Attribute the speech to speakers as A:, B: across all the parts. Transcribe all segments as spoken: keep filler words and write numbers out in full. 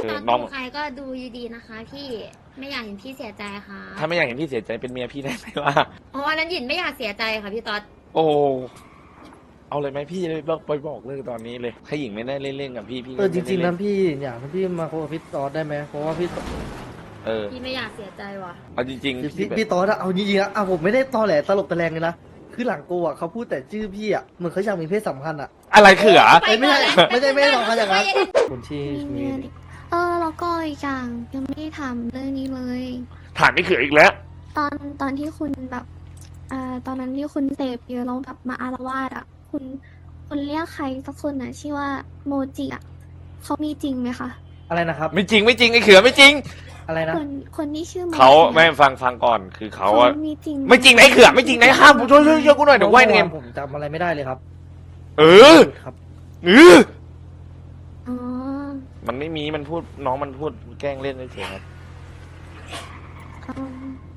A: ตอน
B: น้อง
A: ดูใครก็ดูดีๆนะคะพี่ไม่อยากเห็นพี่เสียใจค่ะ
B: ถ้าไม่อยากเห็นพี่เสียใจเป็นเมียพี่ได้ไหมล่ะ
A: เพราะว่านั้นหยินไม่อยากเสียใจค่ะพี่ต๊อด
B: โอ้ เอาเลยไหมพี่เลยบอกไปบอกเลยตอนนี้เลยถ้าหญิงไม่ได้เล่นๆกับพี่พี่
C: เออจ
B: ไม่ได้
C: ริงๆ
B: เล่
C: นะพี่อยากให้พี่มาคุยกับพี่ตอดได้ไหมเพราะว่าพี่ตอด
B: เออ
A: พี่ไม่อยากเสียใจว่ะ
B: เอาจริง
C: คือ
B: ๆ
C: พี่
B: พี่แบบ
C: พี่ตอดอะเอาจริงๆนะอ่ะผมไม่ได้ตอแหลตลกตะแรงเลยนะคือหลังโกอะเขาพูดแต่ชื่อพี่อะเหมือนเขาอยากมีเพศสัมพันธ์อะ
B: อะไรเขือ
C: เอ้ยไม่ใช่ไม่ใช่ไม่ใช่สองคนอย่างนั้น
A: ไปก่อน
C: คนที่
D: มี
C: มี
D: เงินอีกเออแล้วก็อีกอย่างยังไม่ได้ถามเรื่องนี้เลย
B: ถามไม่เขืออีกแล้ว
D: ตอนตอนที่คุณแบบเอ่อตอนนั้นที่คุณเสพเยอะแล้วแบบมาอารวาสอ่ะ คุณคุณเรียกใครสักคนน่ะชื่อว่าโมจิอ่ะเขามีจริงไหมคะ
C: อะไรนะครับ
B: ไม่จริงไม่จริงไอ้เขือไม่จริง
C: อะไรนะ
D: คนคนที่ชื่อโมจิ
B: เขา
D: อะ
B: ไม่ฟังฟังก่อนคือเขา
D: เขา
B: อะ
D: มีจริง
B: ไม่จริงนะไอ้เขือไม่จริงนะห้ามผมช่วยช่วยช่วยกูหน่อยเดี๋ยวไหวเนม
C: ผมจำอะไรไม่ได้เลยครับ
B: เออ
C: ครับ
B: เออ
D: อ๋อ
B: มันไม่มีมันพูดน้องมันพูดแกล้งเล่นเฉยๆครับ
D: อ๋อ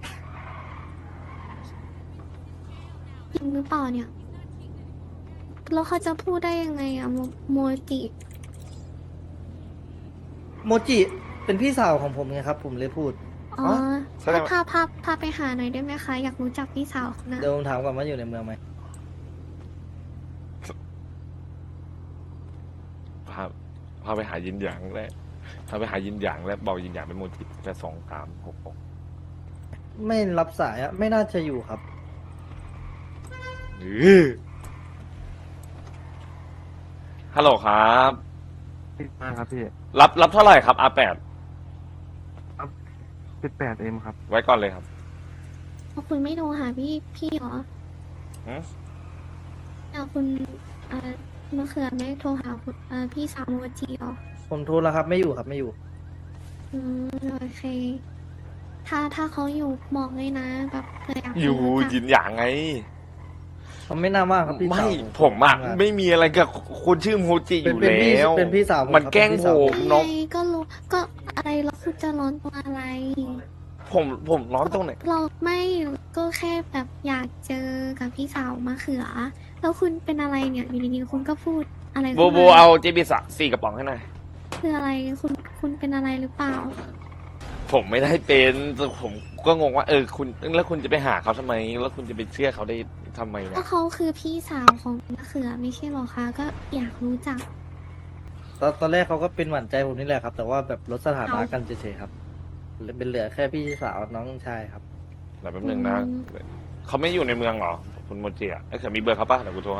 D: จริงหรือเปล่าเนี่ยแล้วเขาจะพูดได้ยังไงอะโมโมจิ
C: โมจิเป็นพี่สาวของผมไงครับ ผมเลยพูด
D: อ๋อ
C: อ๋อ
B: แสดง
D: พาพาพาไปหาหน่อยได้ไหมคะ อยากรู้จักพี่สาวนะ
C: เดี๋ยวผมถามก่อนว่าอยู่ในเมืองไหม
B: พาพาไปหายินหยางแล้วพาไปหายินหยางแล้วบอกยินหยางเป็นโมจิแต่สองสามหกหก
C: ไม่รับสายอะไม่น่าจะอยู่ครับ
B: เออฮัลโหลครับ
E: มากครับพี่
B: รับรับเท่าไหร่ครับ อาร์ แปด
E: สิบแปดเอ็มครับ
B: ไว้ก่อนเลยครับ
D: เพราะคุณไม่โทรหาพี่พี่เหรอ
B: หืม
D: เอาคุณเอ่อมะเขือไม่โทรหาคุณเอ่อพี่สาวโมจิเหรอ
C: ผมโทรแล้วครับ ไม่อยู่ครับไม่อยู่
D: อืมโอเค ถ้าถ้าเขาอยู่บอกเลยนะ แบบเผื่ออยาก
B: อยู่
D: รู้จัก
B: ยินหยางไง
C: เขาไม่น่ามากครับพี่
B: ไม่
C: สาว
B: ผมอะ
C: ทำงาน
B: ไม่มีอะไรกับคนชื่อโมจิอ
C: เป็น
B: ยู่
C: เป็นพี่
B: แล้ว
C: เป็นพี่สาวผม
B: มัน
C: ครับ
B: แกล้ง
C: เป็นพี่
B: ผ
C: สาว
B: มน้อง
D: ไงก็รู้ก็อะไรแล้วคุณจะร้อนตัวอะไร
B: ผมผมร้อนตรงไหน
D: เราไม่ก็แค่แบบอยากเจอกับพี่สาวมะเขือ แล้วคุณเป็นอะไรเนี่ยอยู่ดีๆคุณก็พูดอะไร
B: โบ
D: ขึ้น
B: โบ
D: มา
B: เอาเจบีสสี่กระป๋องให้หน่อย
D: คืออะไรคุณคุณเป็นอะไรหรือเปล่า
B: ผมไม่ได้เป็นแต่ผมก็งงว่าเออคุณแล้วคุณจะไปหาเขาทำไม แล้วคุณจะไปเชื่อเขาได้ทำไม
D: ก็
B: วะ
D: เขาคือพี่สาวของมะเขือไม่ใช่หรอคะก็อยากรู้จัก
C: ตอนตอนแรกเขาก็เป็นหวานใจผมนี่แหละครับ แต่ว่าแบบลดสถานะกันเฉยๆครับเป็นเหลือแค่พี่สาวน้องชายครับ
B: เดี๋ยวแป๊บนึงนะ
D: อืม
B: เขาไม่อยู่ในเมืองเหรอ คุณโมจิอะไอ้เขือมีเบอร์เขาปะเดี๋ยวกูโทรให้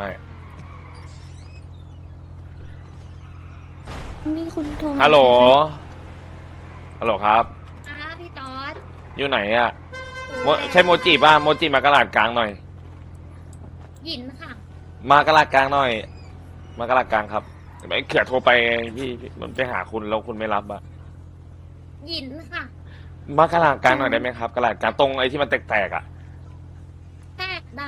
D: นี่คุณโทรมา
B: ฮัลโหล ฮัลโหลครับ
A: อ่าพี่ต๊อด
B: อยู่ไหนอะโมใช่โมจิป่ะ โมจิมากระลาดกลางหน่อย
A: หยินค่ะ
B: มากระลาดกลางหน่อย มากระลาดกลางครับไอ้เขือโทรไปพี่พี่มันไปหาคุณแล้วคุณไม่รับอะ
A: หยินค่ะ
B: มากระลาดกลางหน่อยได้ไหมครับกระลาดกลางตรงไอ้ที่มันแตกๆอะ
A: แทรกได้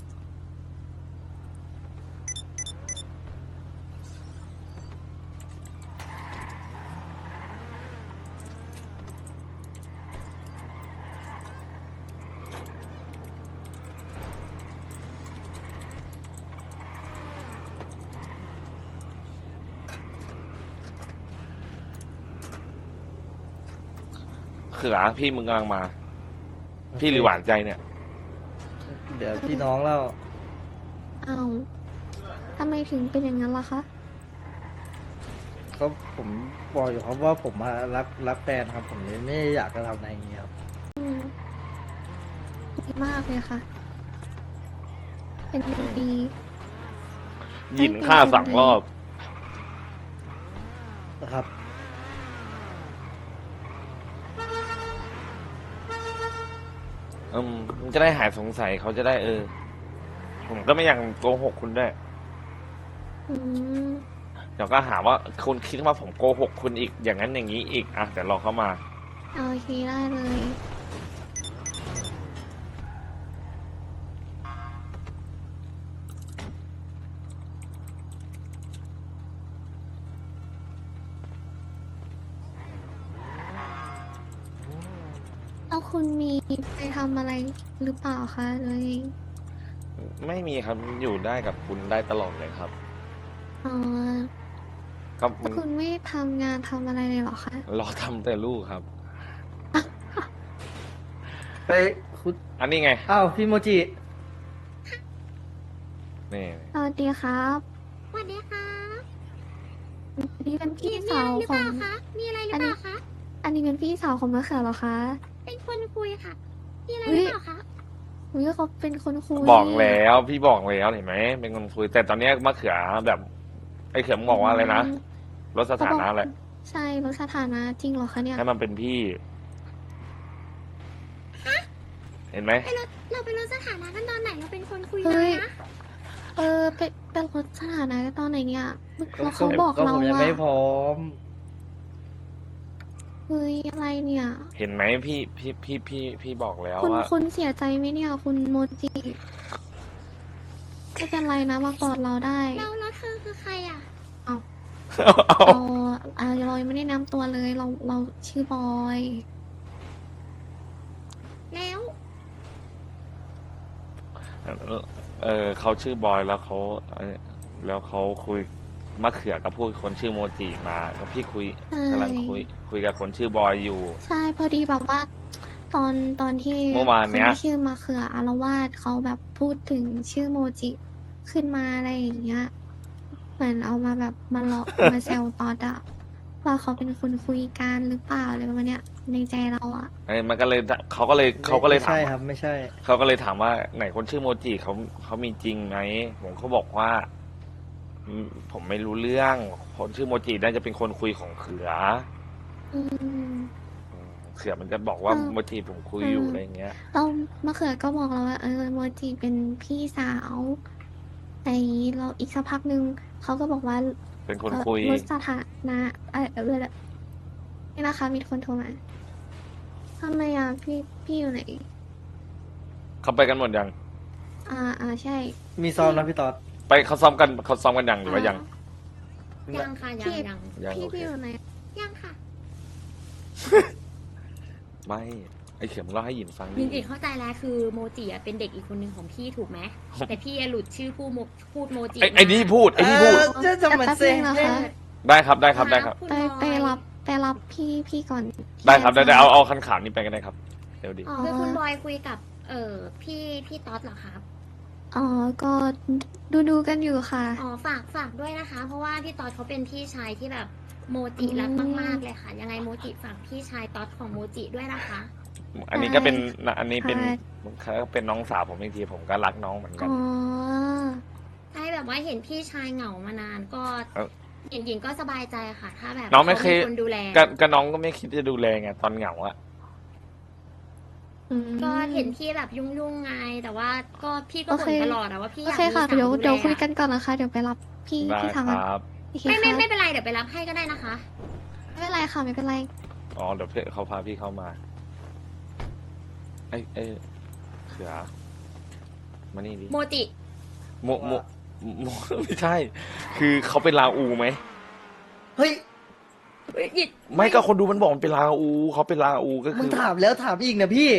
B: เขือพี่มึงกำลังมา พี่หรือหวานใจเนี่ย
C: เดี๋ยวพี่น้องแล้ว
D: เอาทำไมถึงเป็นอย่างนั้นล่ะคะ
C: เขาผมบอกอยู่ครับว่าผมมารักรักแฟนครับ ผมเลยไม่อยากจะทำอะไรอย่างเงี้ยครับ
D: อืมดีมากเลยค่ะ เป็นเด็กดี
B: หยินฆ่าสั่งรอบ
C: นะครับ
B: อืมมันจะได้หายสงสัยเขาจะได้เออ ผมก็ไม่อยากโกหกคุณด้วย
D: อืม
B: เดี๋ยวก็หาว่าคุณคิดว่าผมโกหกคุณอีกอย่างนั้นอย่างนี้อีกอ่ะแต่รอเขามา
D: โอเคได้เลย แล้วคุณมีไปทำอะไรหรือเปล่าคะเลย
B: ไม่มีครับอยู่ได้กับคุณได้ตลอดเลยครับ
D: อ๋อ
B: ก็มัน
D: คุณไม่ทำงานทำอะไรเลยเหรอคะ
B: รอทำแต่ลูกครับ
C: เฮ้ยคุณ
B: อันนี้ไง
C: อ้าวพี่โมจิ
B: นี่
D: สวัสดีครับ
A: สวัสดีค่ะ
D: นี่เป็น
A: มี
D: พี่
A: มี
D: สา
A: อะไร
D: ว
A: หรือ
D: ข
A: เป
D: อง
A: ล่าคะ มีอะไรหรือเปล่าคะ
D: อันนี้เป็นพี่สาวของมะเขือเหรอคะ
A: เป็นคนคุยค่ะ มีอะไร
D: เฮ้
A: หรื
D: ย
A: อเปล่าคะ
D: อุ้ยเขาเป็นคนคุย
B: บอกแล้วพี่บอกแล้วเห็นไหมเป็นคนคุย แต่ตอนเนี้ยมะเขือแบบไอ้เขือมงบอกว่าอะไรนะลดสถานะแหละ
D: ใช่ลดสถานะจริงเหรอคะเนี่ย
B: ให้มันเป็นพี่ เห็นไหม
A: ไปลดเราไปลดสถานะกันตอนไหน เราเป็นคนคุย
D: เฮ้
A: กัน
D: ย
A: นะ
D: เออเป็นเป็นลดสถานะตอนไหนเนี่ยแล้ว
C: ก็
D: เขาบอก
C: ก็
D: เรา
C: ผมยัง
D: ว่า
C: ไม่พร้อม
D: เฮ้ยอะไรเนี่ย
B: เห็นไหมพี่พี่พี่พี่พี่บอกแล้ว
D: คุณ
B: ว่า
D: คุณเสียใจไหมเนี่ยคุณโมจิไม่เป็นไรนะมากอดเราได้
A: เราแล้วเธอคือใครอ่ะ
D: เราอ่าเรายังไม่ได้นำตัวเลยเราเราชื่อบอย
A: แล้ว
B: เออเขาชื่อบอยแล้วเขาเอ่อแล้วเขาคุยมะเขือกับพูดคนชื่อโมจิมาแล้วพี่คุย
D: ใช่
B: กำลังคุย คุยกับคนชื่อบอยอยู่
D: ใช่พอดีแบบว่า ตอนตอนที่
B: เมื่อวานเนี้ย
D: คที่ชื่อมาเขืออารวาสเขาแบบพูดถึงชื่อโมจิขึ้นมาอะไรอย่างเงี้ยเหมือนเอามาแบบมาเลาะ มาแซวตอดอะว่าเขาเป็นคนคุยกันหรือเปล่าอะไรประมาณเนี้ยในใจเราอะ
B: เอ้ยมันก็เลยเขาก็เลยเขาก็เลย
C: ไม่
B: ถาม
C: ใช่
B: ว่า
C: ครับ ไม่ใช่
B: เขาก็เลยถามว่าไหนคนชื่อโมจิเขาเขามีจริงไหมผมเขาบอกว่าอืมผมไม่รู้เรื่อง คนชื่อโมจิน่าจะเป็นคนคุยของเขือ
D: อืม
B: อืมเขือมันจะบอกว่า
D: เออ
B: โมจิผมคุยอยู่
D: เอออ
B: อะไรอย่างเงี้ย
D: เรามะเขือก็บอกเราว่าเออโมจิเป็นพี่สาว แต่อย่างนี้เราอีกสักพักหนึ่งเขาก็บอกว่า
B: เป็นคน
D: เอ่อ
B: คุย
D: ลดสถานะเออเออนี่นะคะ มีคนโทรมาทำไมอ่ะพี่พี่อยู่ไหน
B: เขาไปกันหมดยัง
D: อ่าอ่าใช่
C: มีซ้อมนะพี่ตอด
B: ไปเขาซ้อมกันเขาซ้อมกันยังหรือว่ายัง
A: ยังค่ะ ยังยัง
B: ยัง
D: พี่
B: โอเค
D: พี่อยู่ไหน
A: ยังค่ะ
B: ไม่ไอเขือมึงเล่าให้หยินฟัง
A: จ
B: ดิ
A: ริงๆเข้าใจแล้วคือโมจิอะเป็นเด็กอีกคนหนึ่งของพี่ถูกไหม แต่พี่อะหลุดชื่อผู้โมพูดโมจิ
B: ไอไอนี่พูดไอนี่พูด
C: เออจะจะเหมือนเซ็ง
D: แป๊บนึงนะคะ
B: ได้ครับได้ครับได้ครับ
A: ณ
D: ไป
A: บอย
D: ไปรับไปรับพี่พี่ก่อน
B: ได้ครับได้ได้
D: ที่
B: เอาเอาคันขาวนี้ไปกันได้ครับเดี๋ยวดี
A: อ๋อคือคุณบอยคุยกับ เอ่อพี่พี่ต๊อดเหรอครับ
D: อ๋อก็ดูดูกันอยู่ค่ะ
A: อ๋อฝากฝากด้วยนะคะ เพราะว่าพี่ต๊อดเขาเป็นพี่ชายที่แบบโมจิรักมากๆเลยค่ะ ยังไงโมจิฝากพี่ชายต๊อดของโมจิด้วยนะคะ
B: อันนี้ก็เป็นอันนี้เป็น
D: ค่ะ
B: เขาเป็นน้องสาวผมอีกทีผมก็รักน้องเหมือนกัน
D: อ๋อ
A: ใช่แบบว่าเห็นพี่ชายเหงามานานก็
B: เอ้า
A: หญิงหญิงก็สบายใจค่ะ ถ้าแบบ
B: น้องไม่เคย
A: ขาคนดูแล
B: ก็ก็น้องก็ไม่คิดจะดูแลไงตอนเหงาอะ
D: อืม
A: ก็เห็นพี่แบบยุ่งๆไง แต่ว่าก็พี่ก็
D: โอ
A: บ่
D: เคน
A: ตลอดอะว่าพี่อาก
D: โอยเค
A: มี
D: ค่ะ
A: สาว
D: เดี๋ยว
A: ดูแล
D: เดี๋ยวคุย
A: อะ
D: กันก่อนนะคะ เดี๋ยวไปรับพี่
B: ได้
D: พี่ทาง
B: ค
D: กัน
B: รับ
D: โอเค
A: ไม่ไม่
D: ค่ะ
A: ไม่เป็นไรเดี๋ยวไปรับให้ก็ได้นะคะ
D: ไม่เป็นไรค่ะไม่เป็นไร
B: อ๋อเดี๋ยวเพื่อนเขาพาพี่เข้ามาไอ้ไอ้เขือมานี่ดิ
A: โมจิ
B: โมโมโม ไม่ใช่ คือเขาเป็นลาอูไหม
C: เฮ้ย
A: เอ้ยหยิด
B: ไม่ก็คนดูมันบอกมันเป็นลาอูเขาเป็นลาอูก็
C: มึ
B: คื
C: ง
B: อ
C: ถามแล้วถามอีกนะพี่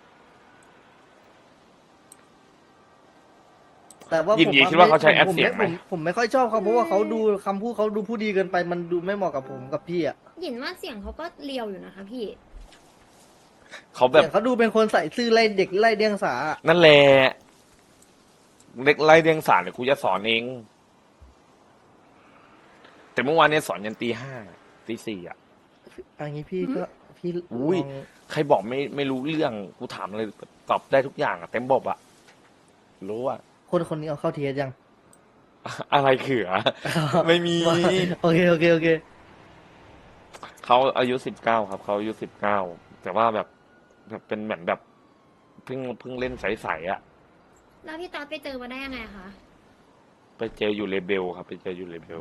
C: แต่ว่า
B: หยิน
C: ผม
B: หยินคิดว่าเขาใช้แอป
C: ผม
B: เสียงไหม
C: ผมผมไม่ค่อยชอบเขาเพราะว่าเขาดูคำพูดเขาดูผู้ดีเกินไปมันดูไม่เหมาะกับผมกับพี่อ่ะ
A: หยินว่าเสียงเขาก็เลียวอยู่นะคะพี่
B: เขาแบบ
C: เสียงเขาดูเป็นคนใส่ซื่อไล่เด็กไล่เดียงสาอะ
B: นั่นแหละเด็กไล่เรียงสารเดี๋ยวกูจะสอนเอง แต่เมื่อวานเนี่ยสอนยันตีห้าตีสี่อ่ะ
C: อันนี้พี่ก็พี่
B: อุ้ย
C: ลอง
B: ใครบอกไม่ไม่รู้เรื่องกูถามอะไรตอบได้ทุกอย่างอ่ะเต็มบบอ่ะ รู้อ่ะ
C: คนคนนี้เอาเข้าเทียยัง
B: อะไรเขือ ไม่มี
C: โอเคโอเคโอเค
B: เขาอายุสิบเก้าครับเขาอายุสิบเก้าแต่ว่าแบบแบบเป็นเหมือนแบบเพิ่งเพิ่งเล่นใสๆอ่ะ
A: แล้วพี่ต๊อดไปเจอมาได้ยังไงคะ
B: ไปเจออยู่เลเบลครับ ไปเจออยู่เลเบล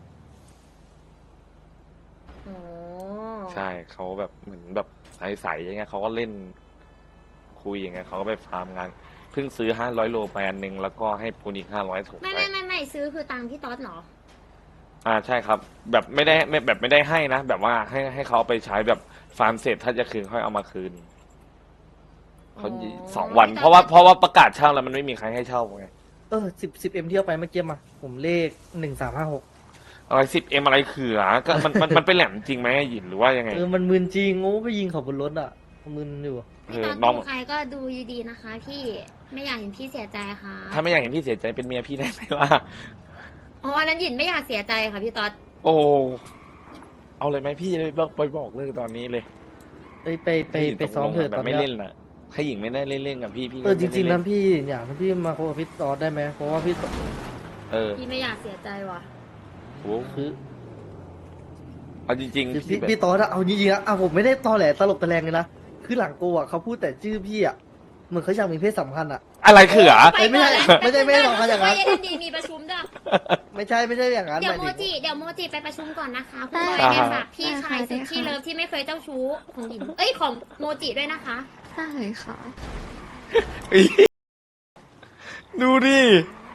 A: โอ้
B: ใช่เขาแบบเหมือนแบบใสๆอย่างเงี้ยเขาก็เล่นคุยอย่างเงี้ยเขาก็ไปฟาร์มงานเพิ่งซื้อห้าร้อยโลไปอันหนึ่งแล้วก็ให้ปูนอีกห้าร้อยถุง
A: ไม่
B: ไป
A: ไม่ไม่ไม่ซื้อคือตังค์พี่ต๊อดเหรอ
B: อ่าใช่ครับ แบบไม่ได้ไม่แบบไม่ได้ให้นะแบบว่าให้ให้เขาเอาไปใช้แบบฟาร์มเสร็จถ้าจะคืนค่อยเอามาคืนเขา
A: อ๋อ
B: สองวัน เพราะว่าเพราะว่าประกาศเช่าแล้วมันไม่มีใครให้เช่าไง
C: เออสิบสิบเอ็มเที่ยวไปเมื่อกี้มา ผมเลขหนึ่งสามห้าหก
B: อะไรสิบเอ็มอะไรเขือก็มันมันมันเป็นแหลมจริงไหมหยินหรือว่ายังไง
C: เออมันมึนจริงโง่ไปยิงเขาบนรถอ่ะมึนอยู่
B: เอ
A: พี่
B: อ
A: ตอด
B: น้อง
A: ดูใครก็ดูดีๆนะคะ พี่ไม่อยากเห็นพี่เสียใจค่ะ
B: ถ้าไม่อยากเห็นพี่เสียใจเป็นเมียพี่ได้ไหมล่ะ
A: อ๋ออันนั้นหยินไม่อยากเสียใจค่ะพี่ตอด
B: โอ้เอาเลยไหมพี่เลยบอกไปบอกเลิกตอนนี้เลย
C: เอ้ยไปไปไปซ้อมเถอะ
B: แบ
C: ตอบ น
B: ไม่
C: เนี้ย
B: เล่นน่ะถ้าหญิงไม่ได้เล่นเล่นกับพี่พี่ก็
C: เออจริงๆ
B: ไม่
C: นะ
B: ได้เล่
C: พี่อยากให้พี่มาโคกับพี่ตอดได้ไหมเพราะว่าพี่ตอด
B: เออ
A: พี่ไม่อยากเสียใจว่ะ
B: โอ้
C: คือ
B: เอาจริง
C: คือ
B: ๆ
C: พี่
B: แบบ
C: พี่ตอดอะเอาจริงๆนะอ่ะผมไม่ได้ตอแหลตลกตะแรงเลยนะคือหลังโกอะเขาพูดแต่ชื่อพี่อะเหมือนเขาอยากมีเพศสัมพันธ์อะ
B: อะไรเขือ
A: ป
C: ไม่ใช่
A: ก่อนแล้ว
C: ไม่ใช่ไม่ใช่สองคนอย่างนั้น
A: ไม่ได้ดีมีประชุมด้วย
C: ไม่ใช่ไม่ใช่อย่างนั้น
A: เดี๋ยว
C: ห
A: โม
C: มายถึง
A: จิเดี๋ยวโมจิไปประชุมก่อนนะคะคุณ
D: ได้
A: บอยเนี่ย
B: อ่า
A: ฝากพี่ชายสุดที่เลิฟที่ไม่เคยเจ้าชู้ของหญิงเอ้ยของโมจิด้วยนะคะ
D: ได้ค่ะ
B: ดูดิ